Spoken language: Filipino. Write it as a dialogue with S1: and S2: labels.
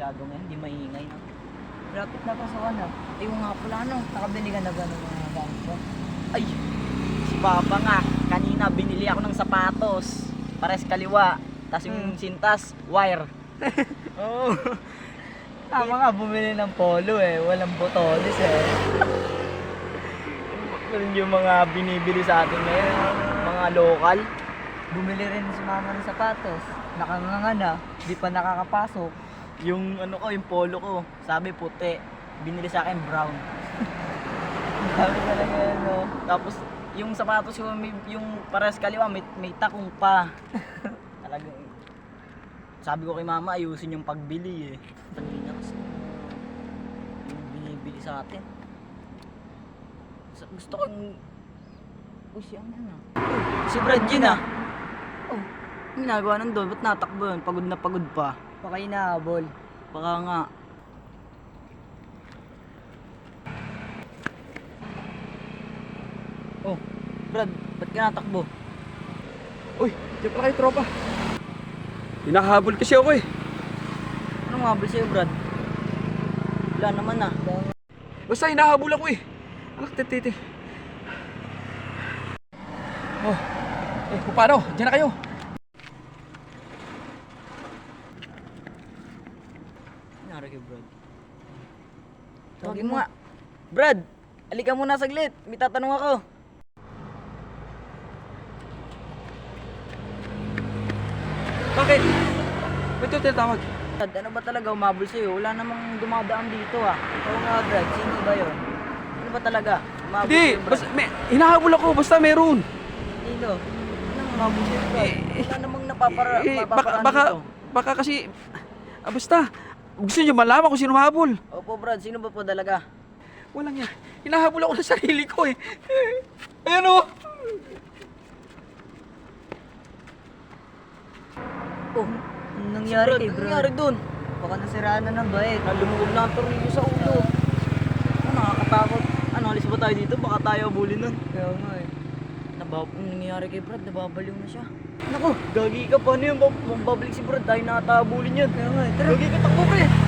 S1: masyado ngayon, hindi maingay na.
S2: Rapit na pasokan na.
S1: Ay, nga pala ano,
S2: Nakabili ka na ba ng mga gamit mo?
S1: ay, si Papa nga, kanina binili ako ng sapatos, pares kaliwa, tas yung sintas, wire. Oo.
S2: Tama nga, bumili ng polo eh. Walang botones eh.
S1: Yung mga binibili sa atin ngayon, mga local.
S2: Bumili rin si mama ng sapatos. Nakanganga na, di pa nakakapasok.
S1: Yung ano ko, yung polo ko, sabi puti, binili sa akin brown.
S2: Sabi talaga yun, no?
S1: Tapos yung sapatos ko, yung pares kaliwa, may takong pa. Talagang, sabi ko kay mama, ayusin yung pagbili eh. Kanina kasi, yung binibili sa atin. Gusto ko yung... Uy, siya ano? Si Brad yun ah. Oh, ang ginagawa nandun, ba't natakbo yun? Pagod na pagod pa.
S2: Baka inahabol.
S1: Baka nga. Oh, Brad, ba't ka natakbo?
S3: Uy, diyan pala kayo tropa. Hinahabol kasi ako eh.
S1: Anong mabal sa'yo, Brad? Wala naman ah.
S3: Basta hinahabol ako eh. Anak, titi. Oh, paano? Diyan na kayo.
S1: Nangyari kay Brad. Tawagin mo nga. Brad, alika muna saglit. May tatanong ako.
S3: Bakit? Ba't yung tinatawag?
S1: Brad, ano ba talaga umabol sa'yo? Wala namang dumadaan dito ah.
S2: Oo nga, Brad. Sino ba yun?
S1: Ano ba talaga? Umabol
S3: Hindi,
S1: sa'yo, Brad?
S3: basta, hinahabol ako, basta meron.
S2: Sino?
S1: Anong umabol sa'yo, Brad? Wala namang napaparaan
S3: Baka,
S1: dito.
S3: baka kasi, basta, gusto niyo malaman kung sino habol.
S1: Opo, Brad. Sino ba po talaga?
S3: Walang yan. Hinahabol ako ng sarili ko eh. Ayan o.
S2: Oh, anong nangyari
S1: Brad,
S2: kay
S1: anong
S2: Brad?
S1: nangyari dun?
S2: Baka nasiraan na ng bait.
S1: Nalumuog na ang tornilyo sa ulo. Ano, nakakatakot. Ano, alis ba tayo dito? Baka tayo abulin nun.
S2: Kaya nga eh.
S1: Anong nangyayari kay Brad? Nababaliw na siya. Naku, gagi ka. Paano yun? Babalik si Brad. Tayo nakatabulin yun.
S2: Kaya nga eh. Tara.
S1: Gagi ka, takbo pre.